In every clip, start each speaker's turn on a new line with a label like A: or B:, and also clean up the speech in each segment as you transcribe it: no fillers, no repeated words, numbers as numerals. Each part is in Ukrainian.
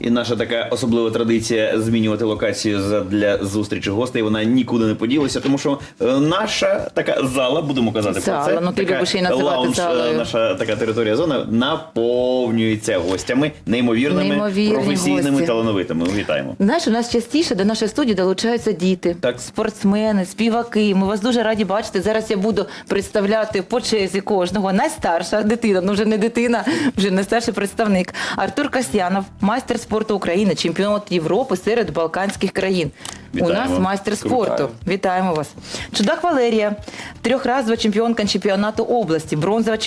A: І наша така особлива традиція змінювати локацію для зустрічі гостей, вона нікуди не поділася, тому що наша така зала, будемо казати про це,
B: ну, ти любиш її називати
A: лаунж,
B: залою.
A: наша така територія зона наповнюється гостями, неймовірними, професійними,
B: гості.
A: талановитими. Вітаємо.
B: Знаєш, у нас частіше до нашої студії долучаються діти,
A: Так.
B: спортсмени, співаки. Ми вас дуже раді бачити. Зараз я буду представляти по черзі кожного. Найстарша дитина, ну вже не дитина, вже найстарший представник. Артур Касьянов, майстер спорту України, чемпіон Європи серед балканських країн.
A: Вітаємо.
B: У нас майстер спорту.
A: Вітаю.
B: Вітаємо вас. Чудак Валерія, трьохразова чемпіонка чемпіонату області,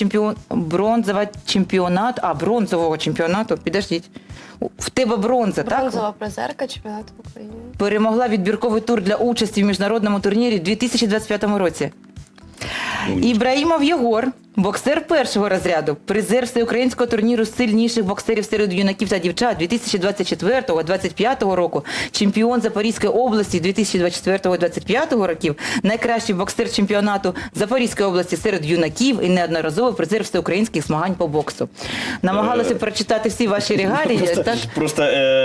B: бронзового чемпіонату, підождіть. В тебе бронза, так?
C: Бронзова призерка чемпіонату України.
B: Перемогла відбірковий тур для участі в міжнародному турнірі у 2025 році. Ібраїмов Єгор, боксер першого розряду, призер всеукраїнського турніру сильніших боксерів серед юнаків та дівчат 2024-2025 року, чемпіон Запорізької області 2024-2025 років, найкращий боксер чемпіонату Запорізької області серед юнаків і неодноразовий призер всеукраїнських змагань по боксу. Намагалася прочитати всі ваші регалії.
A: Просто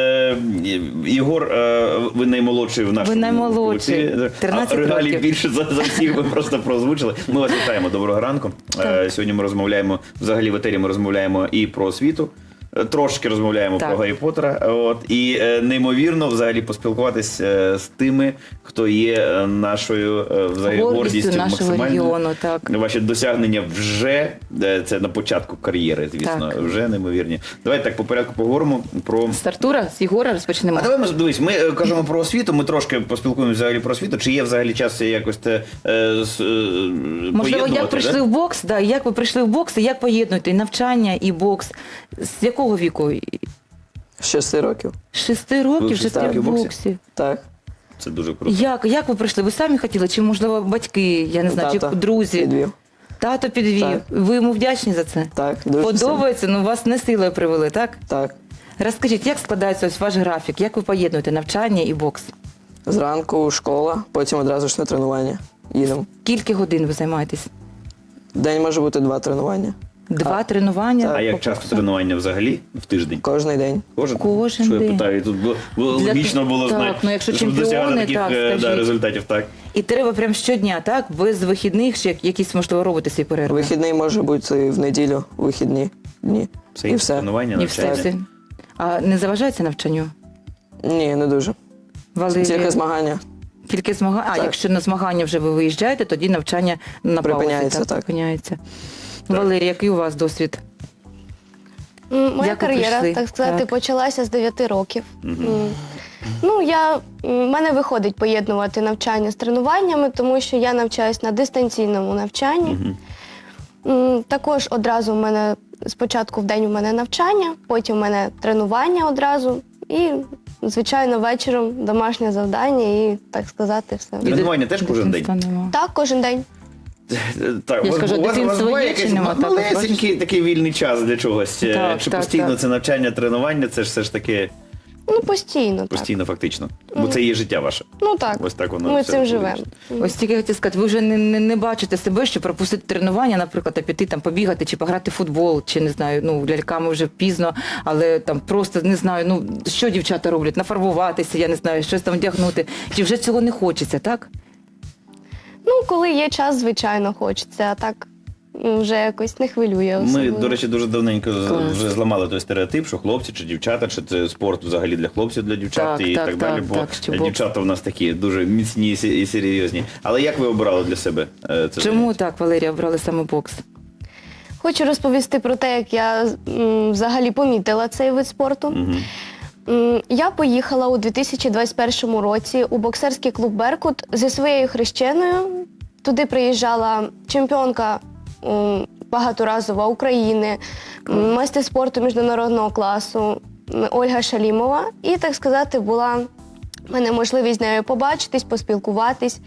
A: Єгор, ви наймолодший в нашому
B: Ви наймолодший,
A: колективі.
B: 13
A: регалій
B: років.
A: більше за всіх ви просто прозвучили. Ми вас вітаємо, доброго ранку. Сьогодні ми розмовляємо, взагалі в етері ми розмовляємо і про освіту, трошки розмовляємо про Гаррі Поттера, і неймовірно взагалі поспілкуватися з тими, хто є нашою взагалі гордістю
B: нашого регіону. Так.
A: Ваші досягнення вже, це на початку кар'єри, звісно,
B: Так.
A: вже неймовірні. Давайте так по порядку поговоримо про...
B: З Артура, з Єгора розпочнемо.
A: А давай ми, дивись, ми кажемо про освіту, ми трошки поспілкуємося взагалі про освіту. Чи є взагалі час якось
B: Можливо, як прийшли в бокс, да, як ви прийшли в бокс і як поєднуєте і навчання, і бокс? З якого віку?
D: З 6 років.
B: 6 років,
A: Ви
B: 6
A: в
B: років в
A: боксі?
B: боксі.
D: Так.
A: Це дуже круто.
B: Як ви прийшли? Ви самі хотіли? Чи, можливо, батьки, я не знаю,
D: Тато
B: чи друзі?
D: підвів.
B: Тато підвів.
D: Так.
B: Ви йому вдячні за це?
D: Так, дуже
B: Подобається? Ну, вас не силою привели, так?
D: сильно. Так.
B: Розкажіть, як складається ось ваш графік? Як ви поєднуєте навчання і бокс?
D: Зранку школа, потім одразу ж на тренування. Їдемо.
B: Скільки годин ви займаєтесь?
D: В день може бути 2 тренування.
B: 2 тренування?
A: А як
B: по
A: часто
B: боксу?
A: тренування взагалі в тиждень?
D: Кожний день.
B: Кожен
A: Що я
B: день.
A: питаю? Тут
B: Для
A: логічно було
B: так,
A: знати,
B: ну, якщо
A: щоб досягати
B: чемпіони,
A: таких
B: так, скажіть.
A: результатів. Так.
B: І треба прям щодня, так? Без вихідних, чи якісь, можливо, робити свої перерви?
D: Вихідний може бути в неділю, вихідні дні.
A: Все,
D: І все.
A: тренування,
B: І все,
A: навчання.
B: все. А не заважається навчанню?
D: Ні, не дуже.
B: Валерія?
D: Тільки змагання.
B: Тільки змагання? А,
D: Так.
B: якщо на змагання вже ви виїжджаєте, тоді навчання на паузі.
D: Припиняється, так.
B: Припиняється. Валерія, який у вас досвід?
C: Моя
B: Як ви
C: кар'єра,
B: прийшли?
C: так сказати,
B: Так.
C: почалася з 9 років. Ну, в мене виходить поєднувати навчання з тренуваннями, тому що я навчаюсь на дистанційному навчанні. Також одразу в мене, спочатку в день у мене навчання, потім у мене тренування одразу і, звичайно, вечором домашнє завдання і, так сказати, все.
A: Тренування теж кожен день?
B: Дитинства нема.
C: Так, кожен день.
A: Так,
B: Я ж кажу, дитинство
A: буває
B: є чи
A: якийсь
B: нема? Так,
A: малесенький такий вільний час для чогось?
B: Так,
A: Чи
B: так,
A: постійно
B: так.
A: це навчання, тренування, це ж все ж таки
C: Ну, постійно, так.
A: постійно фактично? Бо це є життя ваше.
C: Ну, так.
A: Ось так воно
C: Ми
A: все
C: цим живемо.
A: вирішено.
B: Ось тільки я хотіла сказати, ви вже не бачите себе, що пропустити тренування, наприклад, а піти там побігати чи пограти в футбол, чи не знаю, ну ляльками вже пізно, але там просто не знаю, ну що дівчата роблять, нафарбуватися, я не знаю, щось там вдягнути. Чи вже цього не хочеться, так?
C: Ну, коли є час, звичайно, хочеться, а так вже якось не хвилює
A: Ми,
C: особливо.
A: до речі, дуже давненько
B: Клас.
A: вже зламали той стереотип, що хлопці чи дівчата, чи це спорт взагалі для хлопців, для дівчат
B: Так,
A: і
B: так,
A: так далі,
B: так,
A: бо
B: так, що бокс.
A: дівчата в нас такі дуже міцні і серйозні. Але як ви обирали для себе це?
B: Чому
A: заняття?
B: так, Валерія, обрали саме бокс?
C: Хочу розповісти про те, як я взагалі помітила цей вид спорту. Я поїхала у 2021 році у боксерський клуб «Беркут» зі своєю хрещеною. Туди приїжджала чемпіонка багаторазова України, майстер спорту міжнародного класу Ольга Шалімова. І, так сказати, була в мене можливість з нею побачитись, поспілкуватись.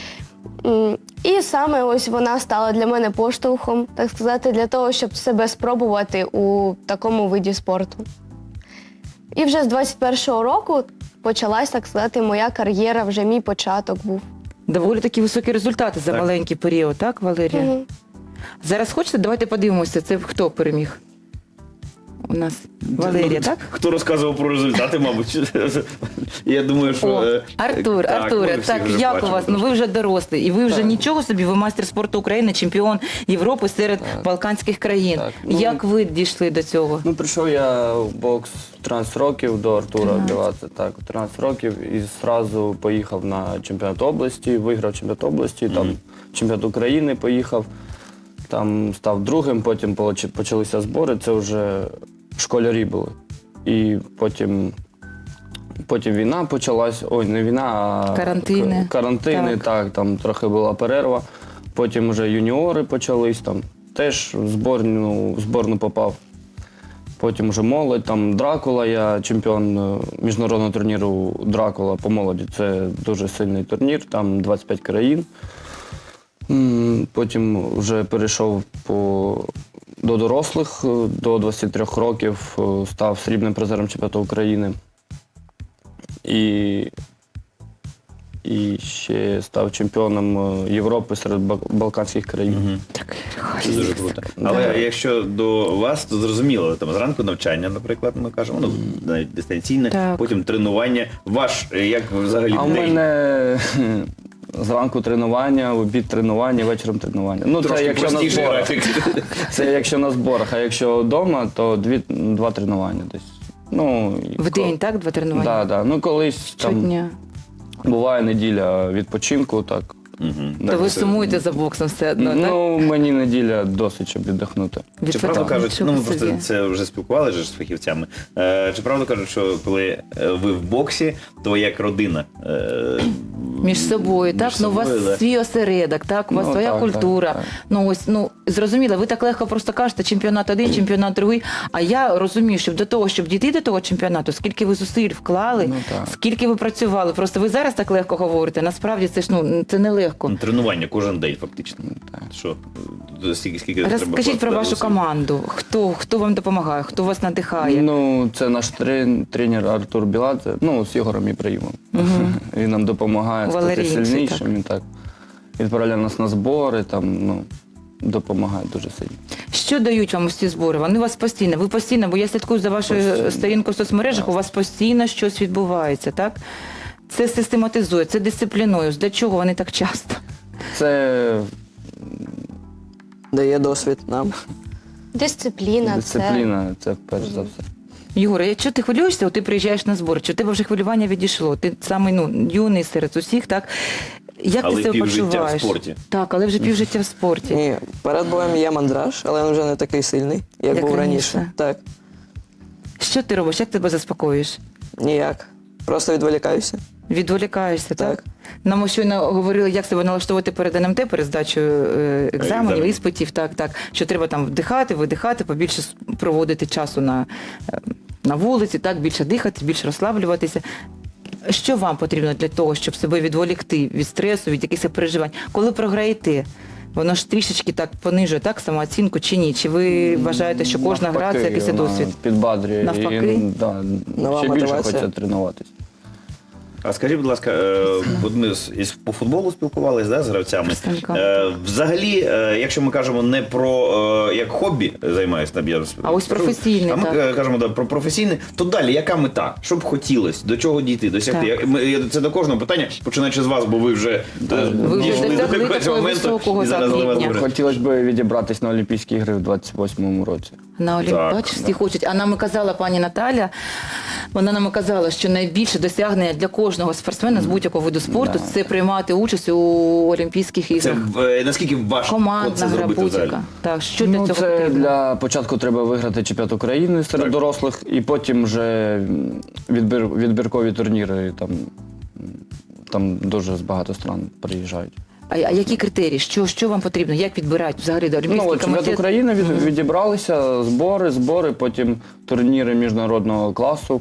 C: І саме ось вона стала для мене поштовхом, так сказати, для того, щоб себе спробувати у такому виді спорту. І вже з 21-го року почалась, так сказати, моя кар'єра, вже мій початок був.
B: Доволі такі високі результати за
A: Так.
B: маленький період, так, Валерія? Зараз хочете? Давайте подивимося, це хто переміг? у нас Валерія, так?
A: Хто розказував про результати, мабуть. Я думаю, що...
B: О, Артуре,
A: ми всі
B: так,
A: вже
B: як у
A: бачимо,
B: вас? Ну ви вже дорослий, і ви вже
D: Так.
B: нічого собі, ви майстер спорту України, чемпіон Європи серед балканських країн.
D: Так, ну,
B: Як ви дійшли до цього?
D: Ну, прийшов я в бокс в 13 років до Артура Білаца, так, в 13 років, і зразу поїхав на чемпіонат області, виграв чемпіонат області, там чемпіонат України поїхав, там став другим, потім почалися збори, це вже школярі були. І потім війна почалась, ой, не війна, а
B: Карантини.
D: карантини,
B: Так.
D: так, там трохи була перерва. Потім вже юніори почались, там теж в зборну попав. Потім вже молодь, там Дракула, я чемпіон міжнародного турніру Дракула по молоді. Це дуже сильний турнір, там 25 країн. Потім вже перейшов до дорослих, до 23 років став срібним призером чемпіонату України. І ще став чемпіоном Європи серед балканських країн.
B: Так,
A: Це дуже круто. Але якщо до вас, то зрозуміло, там зранку навчання, наприклад, ми кажемо, ну, навіть дистанційне,
B: Так.
A: потім тренування. Як взагалі
D: А у
A: день?
D: мене зранку тренування, в обід тренування, вечором тренування. Ну, це
A: Трошки
D: якщо на
A: простіший
D: зборах.
A: графік.
D: Це якщо на зборах, а якщо вдома, то два тренування десь. Ну,
B: В день, так, 2 тренування?
D: Так, так. Ну, колись там
B: Щодня.
D: буває неділя відпочинку, так.
B: То ви сумуєте за боксом все одно, так?
D: Ну, мені неділя досить, щоб віддихнути.
A: Чи правда кажуть,
B: Нічого
A: ну ми просто
B: собі.
A: це вже спілкувалися з фахівцями. Чи правда кажуть, що коли ви в боксі, то як родина?
B: Між собою, так? Ну, у вас
A: собою, да.
B: свій осередок, так? У вас
D: Ну,
B: своя
D: так,
B: культура.
D: так.
B: Ну, ось, ну, зрозуміло, ви так легко просто кажете, чемпіонат один, чемпіонат другий. А я розумію, що до того, щоб дійти до того чемпіонату, скільки ви зусиль вклали,
D: Ну, так.
B: скільки ви працювали. Просто ви зараз так легко говорите. Насправді це ж, ну, це нелегко.
A: Тренування кожен день, фактично. Що? Скільки треба
B: Розкажіть про вашу
A: зусиль?
B: команду. Хто вам допомагає, хто вас надихає?
D: Ну, це наш тренер Артур Біладзе, ну, з Ігорем Ібраїмом. Він нам допомагає стати
B: Валерійці,
D: сильнішим. Він так відправляє нас на збори, там, ну, допомагає дуже сильно.
B: Що дають вам ось ці збори? Вони у вас постійно, ви постійно, бо я слідкую за вашою
D: Постійно.
B: сторінкою в соцмережах, у вас постійно щось відбувається, так? Це систематизує, це дисциплінує. Для чого вони так часто?
D: Це
E: Дає досвід нам.
C: Дисципліна,
D: дисципліна, це перш за все.
B: Єгоре, якщо ти хвилюєшся, от ти приїжджаєш на збори, чи у тебе вже хвилювання відійшло? Ти самий, ну, юний серед усіх, так? Як
A: Але
B: ти себе
A: півжиття в
B: почуваєш?
A: спорті.
B: Так, але вже півжиття в спорті.
E: Ні, перед боєм є мандраж, але він вже не такий сильний, як
B: Як
E: був
B: раніше.
E: раніше. Так,
B: Що ти робиш? Як тебе заспокоїш?
E: ніяк. Просто відволікаюся.
B: Відволікаєшся, так?
E: Так.
B: Нам щойно говорили, як себе налаштовувати перед НМТ, перед здачею екзаменів,
A: Екзамен.
B: іспитів, так. Що треба там вдихати, видихати, побільше проводити часу на вулиці, так, більше дихати, більше розслаблюватися. Що вам потрібно для того, щоб себе відволікти від стресу, від якихось переживань? Коли програєте, воно ж трішечки так понижує, так, самооцінку чи ні? Чи ви вважаєте, що кожна гра це якийсь
D: вона
B: досвід?
D: підбадрює.
B: Навпаки?
D: І, да,
E: Нова
D: ще більше
E: мотивація.
D: хочеться тренуватись.
A: А скажіть, будь ласка, от ми по футболу спілкувалися, да, з гравцями.
B: Представниками.
A: Взагалі, якщо ми кажемо не про як хобі займаюся,
B: А ось професійне,
A: а ми
B: так.
A: кажемо про професійне, то далі яка мета? Що б хотілося? До чого дійти? Досягти? Це до кожного питання, починаючи з вас, бо ви вже
B: Ви вже
A: дійшли
B: досягли
A: до якогось
B: такого
A: моменту,
B: високого
A: і зараз
B: так,
A: до вас
B: рівня.
A: говорять.
D: Хотілося б відібратись на Олімпійські ігри в 28-му році.
B: На Олімп,
A: Так,
B: бачиш, всі хочуть. А нам і казала пані Наталя, вона нам і казала, що найбільше досягнення для кожного спортсмена з будь-якого виду спорту це приймати участь у Олімпійських
A: Це
B: іграх.
A: наскільки важко
B: Командна
A: це
B: гра
A: зробити взагалі?
B: будь-яка. Так, що для
D: Ну,
B: цього
D: це
B: потрібно?
D: для початку треба виграти чемпіонат України серед
A: Так.
D: дорослих, і потім вже відбіркові турніри, там дуже багато стран приїжджають.
B: А які критерії? Що вам потрібно? Як відбирають взагалі до
D: Ну,
B: Олімпійський
D: от чемпіонат
B: комітет?
D: України відібралися, збори, потім турніри міжнародного класу.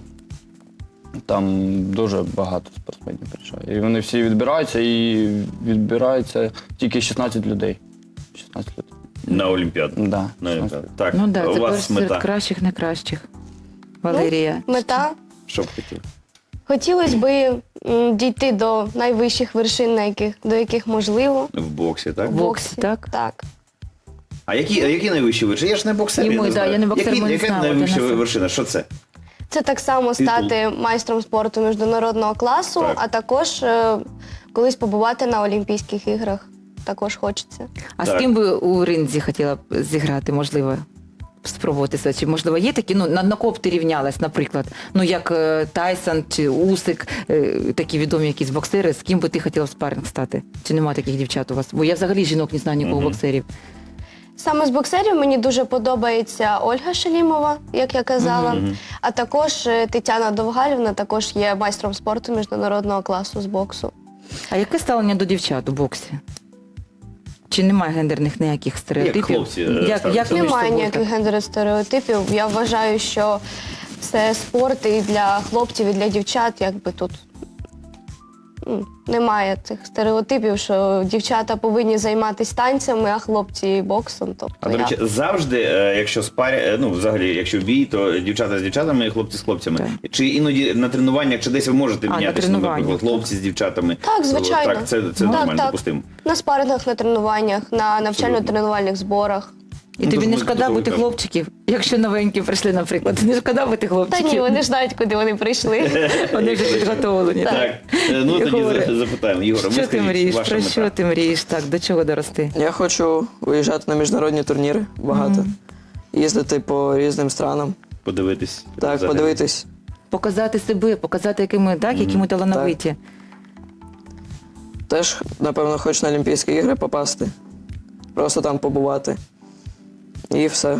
D: Там дуже багато спортсменів приїжджає. І вони всі відбираються, і відбирається тільки 16 людей. 16 людей.
A: На Олімпіаду.
D: Да,
A: На Олімпіаду. Так,
B: Ну так,
A: у
B: це
A: вас
B: серед
A: мета.
B: кращих, найкращих. Валерія.
C: Мета.
A: Що б хотіли?
C: Хотілося б дійти до найвищих вершин, до яких можливо.
A: В боксі, так?
B: В боксі, так?
C: Так.
A: А які найвищі вершини? Я ж не боксер,
B: Йому,
A: я не
B: да,
A: знаю.
B: я не боксер, ми не
A: Яка
B: знаємо,
A: найвища
B: для нас.
A: вершина? Що це?
C: Це так само стати майстром спорту міжнародного класу,
A: Так.
C: а також колись побувати на Олімпійських іграх. Також хочеться.
B: А
A: Так.
B: з ким би у ринзі хотіла б зіграти, можливо, спробувати себе? Чи, можливо, є такі, ну, на кого б ти рівнялась, наприклад? Ну, як Тайсон чи Усик, такі відомі якісь боксери, з ким би ти хотіла в спарринг стати? Чи нема таких дівчат у вас? Бо я взагалі жінок не знаю нікого боксерів.
C: Саме з боксерів мені дуже подобається Ольга Шалімова, як я казала, а також Тетяна Довгалівна також є майстром спорту міжнародного класу з боксу.
B: А яке ставлення до дівчат у боксі? Чи немає гендерних ніяких стереотипів?
A: хлопці,
B: Як
A: ставляться?
B: ви між
C: Немає
B: собою
C: ніяких
B: так?
C: гендерних стереотипів. Я вважаю, що це спорт і для хлопців, і для дівчат, якби тут немає цих стереотипів, що дівчата повинні займатися танцями, а хлопці боксом. Тобто
A: А, до речі, завжди, якщо ну, взагалі, якщо бій, то дівчата з дівчатами, хлопці з хлопцями.
B: Так.
A: Чи іноді на тренуваннях, чи десь ви можете
B: на
A: мінятися, наприклад,
B: тренуваннях,
A: хлопці з дівчатами?
C: Так, звичайно.
A: Так, це
C: Так,
A: нормально,
C: так.
A: допустимо.
C: На спарингах, на тренуваннях, на навчально-тренувальних зборах.
B: І
A: Ну,
B: тобі
A: тож
B: не
A: ми
B: шкода
A: готові
B: бути
A: кажемо.
B: хлопчиків, якщо новенькі прийшли, наприклад. Не шкода бути
C: Та
B: хлопчиків?
C: ні, вони ж знають, куди вони прийшли.
B: Вони вже підготовлені.
A: Так, ну
B: Єгоре,
A: тоді запитаємо. Єгоре,
B: Що ти
A: скажіть,
B: мрієш?
A: ваша
B: Про
A: мета?
B: що ти мрієш? Так, до чого дорости?
E: Я хочу виїжджати на міжнародні турніри багато, їздити по різним странам,
A: Подивитись.
E: так,
A: взагалі.
E: подивитись.
B: Показати себе, показати, які ми талановиті.
E: Теж, напевно, хочу на Олімпійські ігри попасти, просто там побувати. І все.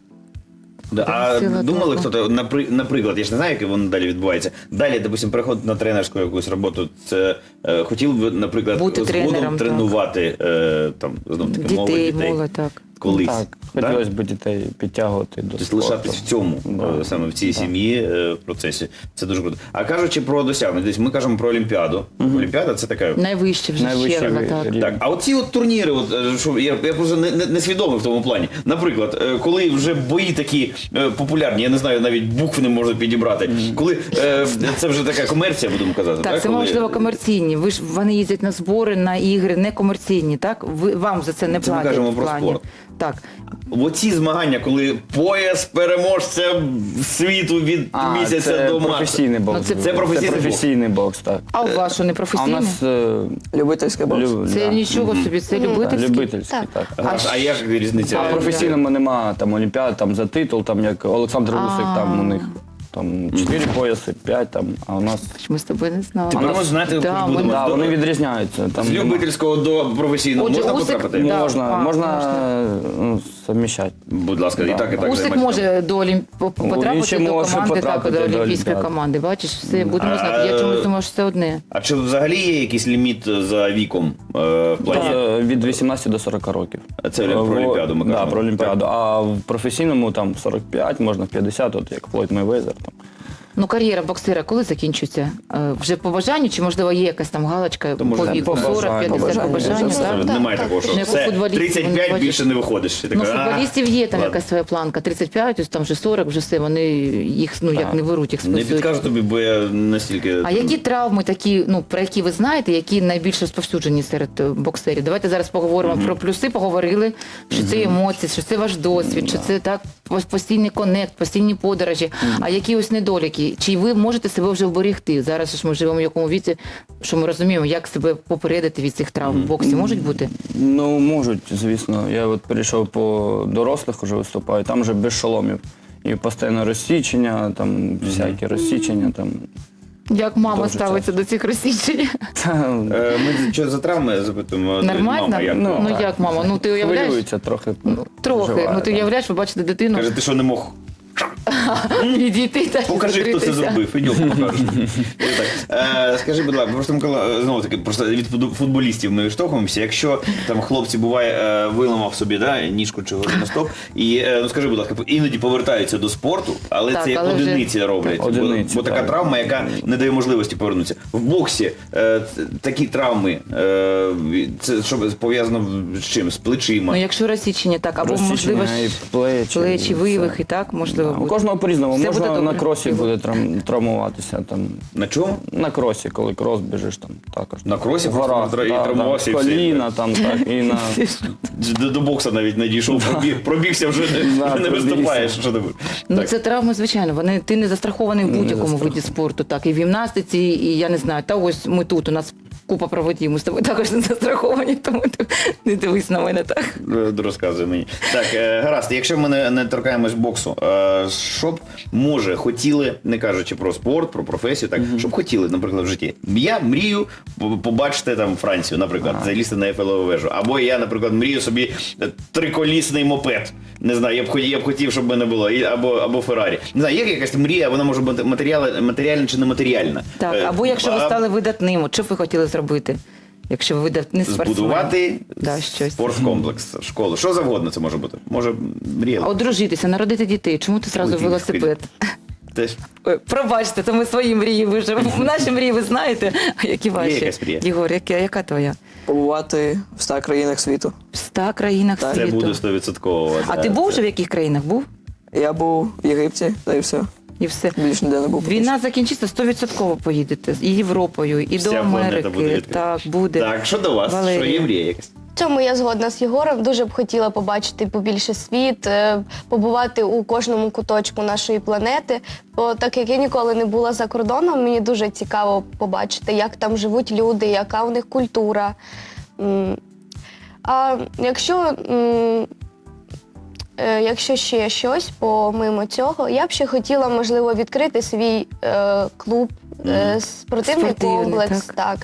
A: Да, а
B: Сила
A: думали
B: духу.
A: хто-то, наприклад, я ж не знаю, як воно далі відбувається. Далі, допустим, переход на тренерську якусь роботу. Це хотів би, наприклад,
B: Бути тренером,
A: згодом
B: так.
A: тренувати там знов таки
B: Дітей,
A: дітей.
B: молодь, так.
A: Колись.
D: Так,
A: да?
D: хотілося б дітей підтягувати до
A: Тобто
D: спорту.
A: лишатись в цьому,
D: Да.
A: саме в цій сім'ї, в процесі. Це дуже круто. А кажучи про досягнення, десь ми кажемо про Олімпіаду. Олімпіада це така.
B: Найвище вже
D: Найвище
B: черга,
D: ви-
B: так.
D: рівень.
A: Так, а оці от турніри, що я просто не свідомий в тому плані. Наприклад, коли вже бої такі популярні, я не знаю, навіть букв не можна підібрати. Коли це вже така комерція, будемо казати.
B: Так, це
A: Коли-
B: можливо комерційні. Вони їздять на збори, на ігри, не комерційні, так? Вам за це не
A: Це ми
B: платять.
A: кажемо
B: в
A: про
B: плані.
A: спорт.
B: Так.
A: Оці змагання, коли пояс переможця світу від місяця
D: це
A: до марта.
D: професійний бокс.
B: Ну, це-
D: був.
A: це професійний бокс.
D: професійний бокс, так.
B: А у вас що, не
D: А у
B: професійні?
D: нас
E: Любительський бокс.
B: Це нічого собі, це любительський?
D: любительський,
C: Так.
D: так.
A: А як різниця?
D: А в професійному нема там олімпіад, там за титул, там як Олександр Усик, там у них там 4 пояси, 5 там, а у нас
B: Ми з тобою не знали.
A: Тепер ми знаєте,
B: Да,
A: будемо.
B: ми-
D: да, вони відрізняються. Там
A: З любительського до професійного
B: Отже,
A: можна
B: Усик-
A: потрапити?
B: Да.
D: можна,
B: А,
D: можна ну, совміщати.
A: Будь ласка, і так, і так.
B: Усик
A: займайтеся.
B: може до
D: Він
B: потрапити
D: ще
B: до
D: може
B: команди, так,
D: потрапити
B: до
D: до
B: олімпійської
D: Олімпіади.
B: команди. Бачиш, все, будемо знати. Я чомусь думаю, що це одне.
A: А чи взагалі є якийсь ліміт за віком в плані?
D: Від 18 до 40 років.
A: Це про Олімпіаду ми
D: Да,
A: кажемо.
D: про Олімпіаду. А в професійному там 45, можна 50, от як Флойд Мейвезер. Там.
B: Ну, кар'єра боксера коли закінчується? Вже по бажанню, чи можливо є якась там галочка по
A: може,
B: віку?
D: по
B: 40, 50 по
E: бажанню.
B: бажанню,
E: Це
B: так?
A: Немає
C: так.
A: такого, що
B: Ну, як у
A: все,
B: футболістів,
A: 35
B: вони
A: більше не виходиш. І
B: Ну,
A: така,
B: футболістів є там
A: ладно.
B: якась своя планка. 35, ось там вже 40, вже все, вони їх, ну, як не беруть, їх
A: Не
B: списують.
A: підкажу тобі, бо я настільки...
B: А які травми такі, ну, про які ви знаєте, які найбільш розповсюджені серед боксерів? Давайте зараз поговоримо про плюси, поговорили, що це емоції, що це ваш досвід, що це так постійний конект, постійні подорожі. А які ось недоліки? Чи ви можете себе вже вберегти? Зараз ж ми живемо в якому віці, що ми розуміємо, як себе попередити від цих травм в боксі. Можуть бути?
D: Ну, можуть, звісно. Я от перейшов по дорослих, уже виступаю, там вже без шоломів. І постійне розсічення, там всякі розсічення. Там.
B: Як мама
D: Дуже
B: ставиться до цих розсічень?
A: Ми що за травми запитуємо?
B: Нормально?
A: Мама, як
B: Ну,
A: мама?
B: як мама? Ну, ти уявляєш?
D: Хвилюється трохи.
B: Трохи.
D: переживає,
B: Ну, ти
D: да.
B: уявляєш, ви бачите дитину,
A: Каже, ти що не мог?
B: підійти та
A: Покажи, хто це
B: зустрітися.
A: зробив. Ідемо, покажеш. Скажи, будь ласка, просто Микола, знову таки, просто від футболістів ми відштовхуємося. Якщо там хлопці буває виламав собі ніжку чи голеностоп, і ну скажи, будь ласка, іноді повертаються до спорту, але
B: Так,
A: це як
B: але вже-
A: одиниці роблять.
D: Одиниці,
A: бо така
D: так.
A: травма, яка не дає можливості повернутися. В боксі такі травми, це що пов'язано з чим? З плечима.
B: Ну, якщо розсічення, так, або
D: Розсічення
B: можливо
D: і плечі,
B: плечі,
D: і
B: вивихи,
D: все.
B: так, можливо,
D: У
B: буде.
D: кожного по-різному.
B: Все буде
D: Можна
B: добре.
D: на кросі буде травмуватися. Там.
A: На чому?
D: На кросі, коли крос біжиш там також.
A: На кросі
D: В
A: просто
D: горах,
A: і травмувався, і все.
D: коліна там, так, і на...
A: До бокса навіть не дійшов, пробігся, вже
D: Да,
A: не
D: пробігся.
A: виступаєш. Що ти будеш?
B: Ну,
A: Так.
B: це травми, звичайно. Ти не застрахований в будь-якому виді спорту. Так, і в гімнастиці, і я не знаю. Та ось ми тут, у нас купа проводів, ми з тобою також не застраховані, тому ти не дивись на мене так.
A: Розказуй мені. Так, гаразд, якщо ми не торкаємось боксу, що б, може, хотіли, не кажучи про спорт, про професію, так, що б хотіли, наприклад, в житті? Я мрію побачити там Францію, наприклад, залізти на Ейфелеву вежу. Або я, наприклад, мрію собі триколісний мопед. Не знаю, я б хотів, щоб в мене було. Або Феррарі. Не знаю, є якась мрія, вона може бути матеріальна чи нематеріальна.
B: Так, або якщо ви стали видатним, от що б ви хотіли зробити? Якщо ви видатний спортсмен.
A: Збудувати
B: щось.
A: спорткомплекс, школу. Що завгодно це може бути. Може, мрія.
B: Одружитися, народити дітей. Чому ти зразу
A: Ой,
B: велосипед?
A: Теж.
B: Ой, пробачте, це ми свої мрії виживемо. Наші мрії ви знаєте, а які ваші?
A: Є якась мрія?
B: Єгор, яка твоя?
E: Побувати в 100 країнах світу.
B: В 100 країнах
E: Так.
A: Це
B: світу.
A: буде 100%.
B: А ти був вже в яких країнах? Був?
E: Я був в Єгипті, та й все.
B: І все.
E: Більше ніде не був.
B: Війна закінчиться, 100% поїдете. І Європою, і
A: Вся
B: до
A: планета
B: Америки.
A: буде відкрита.
B: Так, буде.
A: Так, що до вас?
B: Валерія.
A: Що є мрія якась?
C: В цьому я згодна з Єгором. Дуже б хотіла побачити побільше світ, побувати у кожному куточку нашої планети. Бо так як я ніколи не була за кордоном, мені дуже цікаво побачити, як там живуть люди, яка у них культура. А якщо ще щось помимо цього, я б ще хотіла, можливо, відкрити свій клуб, спортивний
B: Спортивний,
C: комплекс. Так.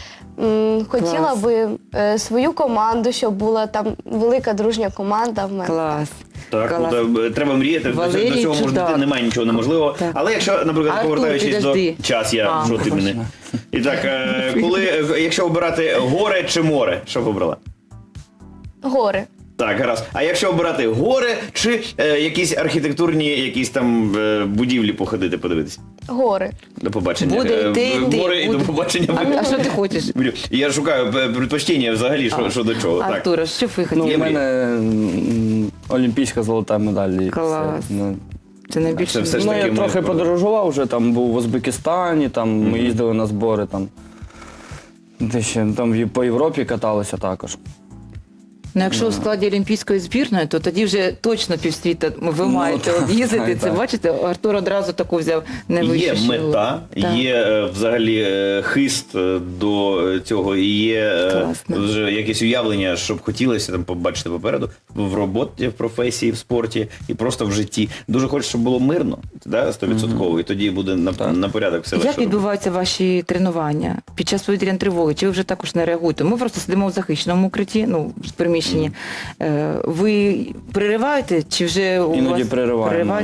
C: Хотіла
B: Клас.
C: би свою команду, щоб була там велика дружня команда в мене.
B: Клас.
A: Так,
B: Клас.
A: треба мріяти,
B: Валерій
A: до цього може
B: чудак.
A: дійти, немає нічого неможливого.
B: Так.
A: Але якщо, наприклад,
B: Артур,
A: повертаючись
B: підожди.
A: до час,
B: А,
A: що ти мене. І так, якщо обирати горе чи море, що б обрала?
C: Гори.
A: Так, гаразд. А якщо обирати гори чи якісь архітектурні, якісь там будівлі походити, подивитися?
C: Гори.
A: До побачення.
B: Буде йти,
A: Гори і до побачення.
B: А що ти хочеш?
A: Я шукаю предпочтення взагалі, що до чого. Так.
B: Артура, що б ви
D: Ну,
B: хотіли?
D: у мене олімпійська золота медаль. і
B: Клас.
D: все. Ну,
B: Це найбільше.
A: Це все ж
D: ну,
A: таки
D: я
A: ми
D: трохи подорожував вже, там був в Узбекистані, там ми їздили на збори, там, де ще, там по Європі каталися також.
B: Ну, якщо у складі олімпійської збірної, то тоді вже точно півсвіта ви маєте
D: так,
B: об'їздити. Це
D: так.
B: бачите, Артур одразу таку взяв найвищу
A: Є
B: школу.
A: мета,
B: Так.
A: є взагалі хист до цього, і є
B: Класно.
A: вже якесь уявлення, що б хотілося там побачити попереду в роботі, в професії, в спорті і просто в житті. Дуже хочу, щоб було мирно, да, 100%, і тоді буде на порядок все
B: Як
A: легше.
B: відбуваються ваші тренування під час повітряної тривоги? Чи ви вже також не реагуєте? Ми просто сидимо в захищеному укритті, ну, в приміщенні. Ви перериваєте, чи вже у
D: Іноді
B: вас
D: перериваємо.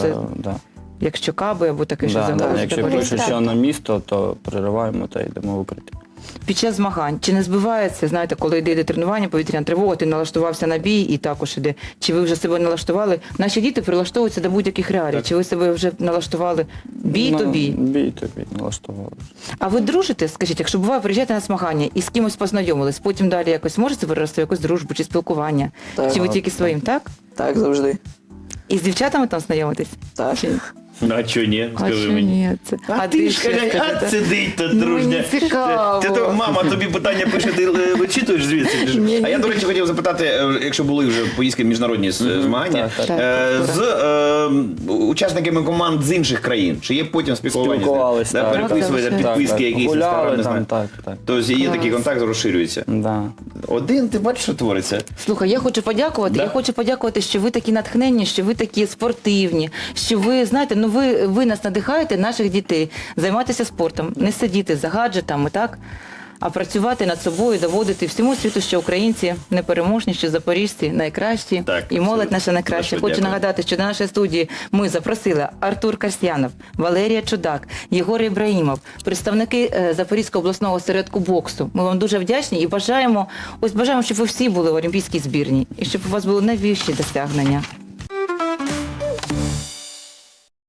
B: якщо каби або таке, що
D: Да,
B: замовили?
D: якщо
C: заболіти.
D: пишуть, що на місто, то перериваємо та йдемо в укриття.
B: Під час змагань, чи не збивається, знаєте, коли йде тренування, повітряна тривога, ти налаштувався на бій і також іде. Чи ви вже себе налаштували? Наші діти прилаштовуються до будь-яких реалій. Чи ви себе вже налаштували бій то бій?
D: Бій то бій, налаштували.
B: А ви дружите, скажіть, якщо буває, приїжджаєте на змагання і з кимось познайомились, потім далі якось можете вирости в якусь дружбу чи спілкування?
E: Так.
B: Чи ви тільки своїм, так?
E: Так, завжди.
B: І з дівчатами там знайомитесь?
E: Так.
B: Чи ні?
A: Ну, а чого ні?
B: А
A: Скажи
B: що
A: мені.
B: ні? Це...
A: А ти ж
B: що
A: кажеш,
B: скажете?
A: а сидить тут
B: Ну,
A: дружня.
B: мені цікаво.
A: Ти мама тобі питання пише, ти вичитуєш звідси.
B: Ні,
A: А я,
B: ні.
A: до речі, хотів запитати, якщо були вже поїздки міжнародні змагання,
D: так,
B: так.
A: з учасниками команд з інших країн, чи є потім спілкування?
D: Спілкувались,
A: з ними?
D: так.
A: Переписуєте
B: Так,
A: підписки якісь,
D: Гуляли
A: не
D: там,
A: знаю.
D: так.
A: Тобто є
B: Клас.
A: такий контакт, розширюється.
D: Да.
A: Один, ти бачиш, що твориться?
B: Слухай, я хочу подякувати.
A: Да?
B: Я хочу подякувати, що ви такі натхненні, що ви такі спортивні, що ви, знаєте, ну ви нас надихаєте, наших дітей, займатися спортом, не сидіти за гаджетами, так? А працювати над собою, доводити всьому світу, що українці непереможні, що запоріжці найкращі,
A: Так,
B: і молодь
A: абсолютно.
B: наша найкраща.
A: Дуже
B: Хочу
A: дякую.
B: нагадати, що до нашої студії ми запросили Артур Касьянов, Валерія Чудак, Єгор Ібраїмов, представники Запорізького обласного осередку боксу. Ми вам дуже вдячні і бажаємо, щоб ви всі були в олімпійській збірні, і щоб у вас були найвищі досягнення.